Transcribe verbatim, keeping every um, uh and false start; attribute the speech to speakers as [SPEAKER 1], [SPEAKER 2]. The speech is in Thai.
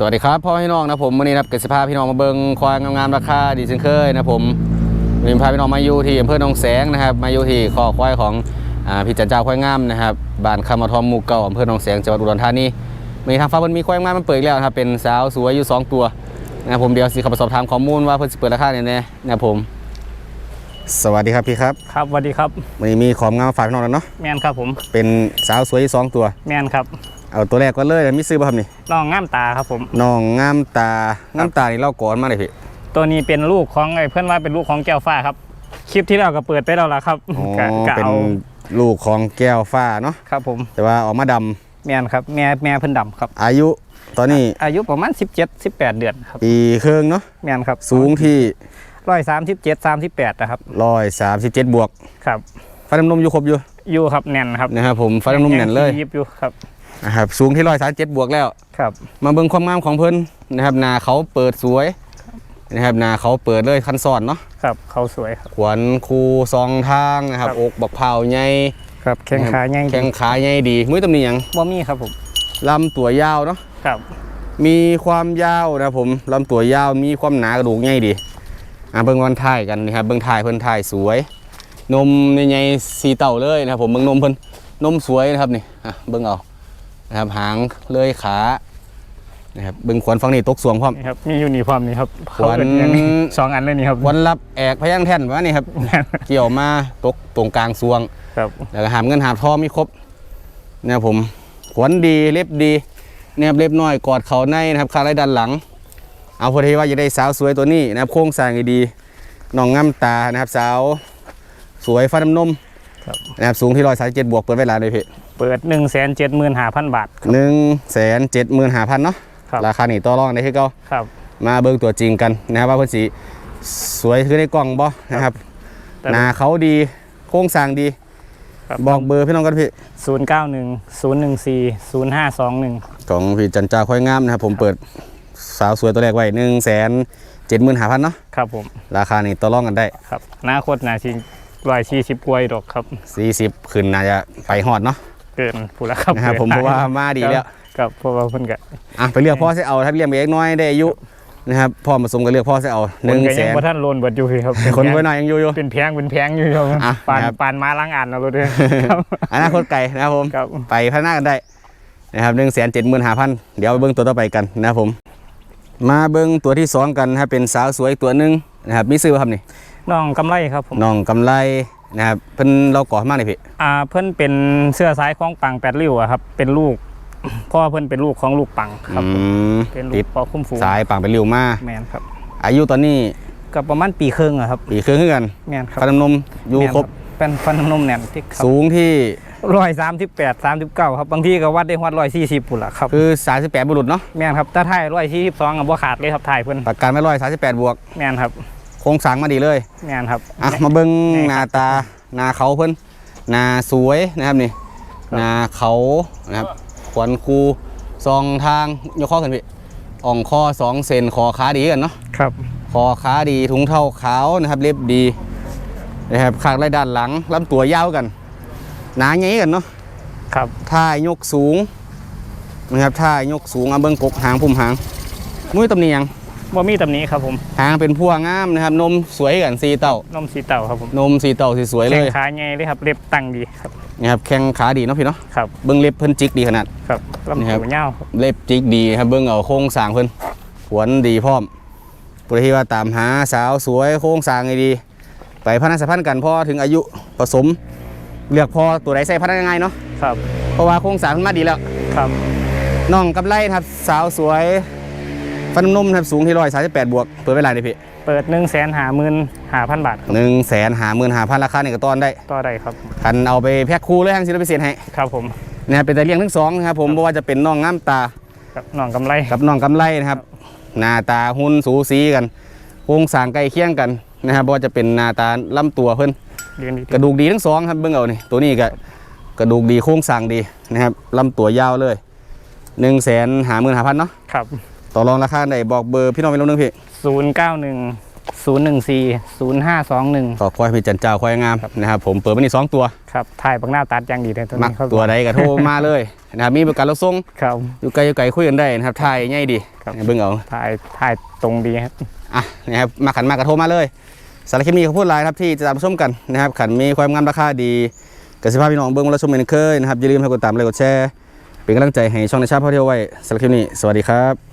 [SPEAKER 1] วัสดีครับพ่อพี่น้องนะผมวันนี้นะเกิดสภาพพี่น้องมาเบิ้งควายงามๆราคาดีเช่นเคยนะผมวันนี้พาพี่น้องมาอยู่ที่อำเภอหนองแสงนะครับมาอยู่ที่คอกควายของพี่จันเจ้าควายงามนะครับบ้านคำมาทอมหมู่เก่าอำเภอหนองแสงจังหวัดอุดรธานีมีทางฟ้ามันมีควายงามมันเปิดแล้วครับเป็นสาวสวยอยู่สองตัวนะผมเดี๋ยวสิขับสอบถามข้อมูลว่าเพิ่นสิเปิดราคาเนี่ยนะผมสวัสดีครับพี่ครับ
[SPEAKER 2] ครับสวัสดีครับ
[SPEAKER 1] วันนี้มีของงามฝากพี่น้องแล้วเนาะ
[SPEAKER 2] แมนครับผม
[SPEAKER 1] เป็นสาวสวยอยู่สองตัว
[SPEAKER 2] แมนครับ
[SPEAKER 1] เอาตัวแรกก็เลยมีซื้อป่ะครับนี่
[SPEAKER 2] น้องงามตาครับผม
[SPEAKER 1] น้องงามตางามตานี่เล่าก่อนมาเลยพี่
[SPEAKER 2] ตัวนี้เป็นลูกของไอ้เพื่อนว่าเป็นลูกของแก้วฟ้าครับคลิปที่เราก็เปิดไปแล้วล่ะครับ
[SPEAKER 1] อ๋อเป็นลูกของแก้วฟ้าเนาะ
[SPEAKER 2] ครับผม
[SPEAKER 1] แต่ว่าออกมาด
[SPEAKER 2] ำแมนครับแม่แม่เพิ่นดำครับ
[SPEAKER 1] อายุตอนนี้
[SPEAKER 2] อายุประมาณสิบเจ็ด สิบแปดเดือนครับ
[SPEAKER 1] ปีครึ่งเนาะ
[SPEAKER 2] แมนครับ
[SPEAKER 1] สูงที่
[SPEAKER 2] ร้อยสามสิบเจ็ดสามสิบแปดนะครับ
[SPEAKER 1] ร้อยสามสิบเจ็ดบวก
[SPEAKER 2] ครับ
[SPEAKER 1] ฟันน้ำนมอยู่ครบอยู่
[SPEAKER 2] อยู่ครับแน่นครับ
[SPEAKER 1] นะครับผมฟันน้ำนมแน่นเลย
[SPEAKER 2] ยิบอยู่ครับ
[SPEAKER 1] นะครับสูงที่ร้อยสามสิบเจ็ดบวกแล้ว
[SPEAKER 2] ครับ
[SPEAKER 1] มาเบิ่งความงามของเพิ่นนะครับนาเขาเปิดสวยนะครับนาเขาเปิดเลยคันซ้อนเนาะ
[SPEAKER 2] ครับเขาสวยครับ
[SPEAKER 1] ขวัญคูซองทางนะครับอกบักเผาใหญ่
[SPEAKER 2] ครับแข้งขาใหญ่
[SPEAKER 1] แข้งขาใหญ่ดีมือตำหนิยัง
[SPEAKER 2] บ่มีครับผม
[SPEAKER 1] ลำตัวยาวเนาะ
[SPEAKER 2] ครับ
[SPEAKER 1] มีความยาวนะผมลำตัวยาวมีความหนากระดูกใหญ่ดีอ่ะเบิ่งวันถ่ายกันนะครับเบิ่งถ่ายเพิ่นถ่ายสวยนมใหญ่ๆสีเต่าเลยนะครับผมเบิ่งนมเพิ่นนมสวยนะครับนี่อ่ะเบิ่งเอานะครับหางเลยขานะครับเบิ่งขวัญฝั่งนี้ตกสวงพร้อม
[SPEAKER 2] ครับมีอยู่นี่พร้อมนี่ครับ
[SPEAKER 1] ขวัญ
[SPEAKER 2] สองอันเลยนี่ครับ
[SPEAKER 1] ขวัญรับแอกพยัญแท่นวะนี่ครับเกี่ยวมาตกตรงกลางสวง
[SPEAKER 2] ครับ
[SPEAKER 1] แล้วก็หามเงินหามทองมีครบนะครับผมขวัญดีเล็บดีนะครับเล็บน้อยกอดเขาในนะครับขาไหล่ด้านหลังเอาพอดีว่าจะได้สาวสวยตัวนี้นะครับโค้งสร้างดีน้องงามตานะครับสาวสวยฟันน้ำนมนะครับสูงที่ร้อยสามสิบเจ็ดบวกเปิดไว้หลายเลยพี่
[SPEAKER 2] เปิดหนึ่งแสนเจ็ดหมื่นห้าพันบาท
[SPEAKER 1] หนึ่งแสนเจ็ดหมื่นห้าพันเนาะราคาหนีต่อรองได้ที่เก่ามาเบิ่งตัวจริงกันนะครับว่าเพิ่นสีสวยคือในกล่องบ่นะครับหน้าเขาดีโค้งสร้างดีบอกเบอร์พี่น้องกันพี่
[SPEAKER 2] ศูนย์เก้าหนึ่งศูนย์หนึ่งสี่ศูนย์ห้าสองหนึ่ง
[SPEAKER 1] ของพี่จันจ่าค่อยงามนะครับผมเปิดสาวสวยตัวแรกไว้หนึ่งแสนเจ็ดหมื่นห้าพันเนาะ
[SPEAKER 2] ครับผม
[SPEAKER 1] ราคานี่ต่อรองกันได้
[SPEAKER 2] ครับหน้าโคตรหนาจริงร้อยสี่สิบกวยดอกครับ
[SPEAKER 1] สี่สิบขึ้นน่าจะไปฮอดเนาะ
[SPEAKER 2] เกินผู้ละครับ
[SPEAKER 1] นะครับผมเพราะว่ามาดีแล้ว
[SPEAKER 2] กับเพราะว่าเพิ่นก็
[SPEAKER 1] อ่ะไปเลือกพ่อใส่เอาถ้าเลี้ยงเล็กน้อยได้อายุนะครับพ่อผสมกันเลือกพ่อใส่เอาหนึ่งแสน
[SPEAKER 2] ท่านโลนเบิดอยู่ครับ
[SPEAKER 1] คนไว้หน่อยยังอยู่อยู่
[SPEAKER 2] เป็นแพงเป็นแพงอยู่ครับปานปานมาล้างอ่านเราด้วย
[SPEAKER 1] อนาคตไก่นะครับผมไปพัฒนากันได้นะครับหนึ่งแสนเจ็ดหมื่นห้าพันเดี๋ยวเบิ้งตัวต่อไปกันนะครับผมมาเบิ้งตัวที่สองกันนะครับเป็นสาวสวยตัวหนึ่งนะครับมีซื้อครับนี่
[SPEAKER 2] น้องกำไรครับผม
[SPEAKER 1] น้องกำไรนะครับเพิ่นเราก่อมากเลยพี่
[SPEAKER 2] อ่าเพิ่นเป็นเสื้อสายของปังแปดริ้วครับเป็นลูกพ่อเพิ่นเป็นลูกของลูกปังครับเป็นลูกพ่อคุ้มฟู
[SPEAKER 1] สายปังเป็นริ้วมา
[SPEAKER 2] แมนครับ
[SPEAKER 1] อายุตอนนี้
[SPEAKER 2] ก็ประมาณปีครึ่งอะครับ
[SPEAKER 1] ปีครึ่งขึ้นกัน
[SPEAKER 2] แมนครับ
[SPEAKER 1] ฟันน้ำนมอยู่ครบ
[SPEAKER 2] เป็นฟันน้ำนมแน่นที่
[SPEAKER 1] สูงที่
[SPEAKER 2] ร้อยสามสิบแปดสามสิบเก้าครับบางทีก็วัดได้วัดร้อยสี่สิบปุ่นละครับ
[SPEAKER 1] คือสามสิบแปดบุรุษเนาะ
[SPEAKER 2] แมนครับถ้าถ่ายร้อยสี่สิบสองกับบ่ขาดเลยครับถ่ายเพิ่น
[SPEAKER 1] ประกันไม่ร้อยสามสิบแปดบวก
[SPEAKER 2] แมนครับ
[SPEAKER 1] โครงสร้างมาดีเลย
[SPEAKER 2] แมนครับ
[SPEAKER 1] อ่ะมาเบิ้งหน้าตาหน้าเขาเพิ่นหน้าสวยนะครับนี่หน้าเขานะครับขวัญคูซองทางยกข้อกันพี่อ่องข้อสองเซนคอขาดีกันเนาะ
[SPEAKER 2] ครับ
[SPEAKER 1] คอขาดีถุงเท้าขาวนะครับเล็บดีนะครับข้างไรด้านหลังลำตัวยาวกันหนาใหญ่กันเนาะ
[SPEAKER 2] ครับ
[SPEAKER 1] ท่ายกสูงนะครับท่ายกสูงเอาเบิ้งกบหางพุ่มหางมุ้ยตำหนิยัง
[SPEAKER 2] บ่มีตำหนิครับผม
[SPEAKER 1] หางเป็นพวงงามนะครับนมสวยกันสีเต่าน
[SPEAKER 2] มสีเต่าครับผม
[SPEAKER 1] นมสีเต่าสีสวยเลย
[SPEAKER 2] แข้งขาใหญ่เลยครับเล็บตั้งดีครับ
[SPEAKER 1] นี่ครับแข้งขาดีเนาะพี่เนาะ
[SPEAKER 2] ครับ
[SPEAKER 1] เบิ้งเล็บเพิ่นจิกดีขนาด
[SPEAKER 2] ครับลำตัวยาว
[SPEAKER 1] เล็บจิกดีครับเบิ้งเอาโค้งสร้างเพิ่นขวนดีพร้อมปุถุว่าตามหาสาวสวยโค้งสร้างดีไปพัฒนาสัมพันธ์กันพอถึงอายุผสมเลือกพอตัวไหนใส่พัฒนาง่ายเนาะ
[SPEAKER 2] ครับ
[SPEAKER 1] เพราะว่าโค้งสร้างมันมาดีแล้ว
[SPEAKER 2] ครับ
[SPEAKER 1] น้องกำไรครับสาวสวยฟันนุ่มครับสูงที่ร้อยสามสิบแปดบวกเปิดเวลาเลยพี่
[SPEAKER 2] เปิดหนึ่งแสนหาหมื่นหาพันบาท
[SPEAKER 1] หนึ่งแสนหาหมื่นหาพันราคาเนี่ยก็ต้อนได้
[SPEAKER 2] ต่อได้ครับ
[SPEAKER 1] คันเอาไปแพ็คคู่เลยทางศิลปิเศษให้
[SPEAKER 2] ครับผม
[SPEAKER 1] เนี่ยเป็นแต่เลี้ยงทั้งสองนะครับผมเพราะว่าจะเป็นน้องงามตา
[SPEAKER 2] กับน้องกำไร
[SPEAKER 1] กับน้องกำไรนะครับหน้าตาหุ่นสูสีกันโครงสร้างใกล้เคียงกันนะครับเพราะว่าจะเป็นหน้าตาลำตัวเพิ่นกระดูกดีทั้งสองครับเบื้องเอานี่ตัวนี้ก็กระดูกดีโครงสร้างดีนะครับลำตัวยาวเลยหนึ่งแสนหาหมื่นหาพันเนาะ
[SPEAKER 2] ครับ
[SPEAKER 1] ต่อรองราคาไหนบอกเบอร์พี่น้องไปลงนึงพี่
[SPEAKER 2] ศูนย์เก้าหนึ่งศูนย์หนึ่งสี่ศูนย์ห้าสองหนึ่ง
[SPEAKER 1] ขอควายพี่จันเจ้าควายงามนะครับผมเปิดมานี่สองตัว
[SPEAKER 2] ครับถ่ายบักหน้าตัดอย่างดีเลยตัว
[SPEAKER 1] มัก
[SPEAKER 2] นี้ครับ
[SPEAKER 1] ตัวใดก็โทรมาเลยนะครับมีประกันรับส่ง
[SPEAKER 2] ครับ
[SPEAKER 1] อยู่ไกลอยู่ไกลคุยกันได้นะครับถ่ายง่ายดี
[SPEAKER 2] ครับ
[SPEAKER 1] เบิ่งเอา
[SPEAKER 2] ถ่ายถ่ายตรงดีครับ
[SPEAKER 1] อ่ะนะครับมาขันมากระโทรมาเลยสารบคลิปนี้เขาพูดไลน์ครับที่จะตามชมกันนะครับขันมีความงามราคาดีกสิภาพพี่น้องเบิ้งมาแล้วชมกันเคยนะครับอย่าลืมให้กดตามเลยกดแชร์เป็นกำลังใจให้ช่องในชาติพ่อเที่ยวไว้สารบคลิปนี้สวัสดีครับ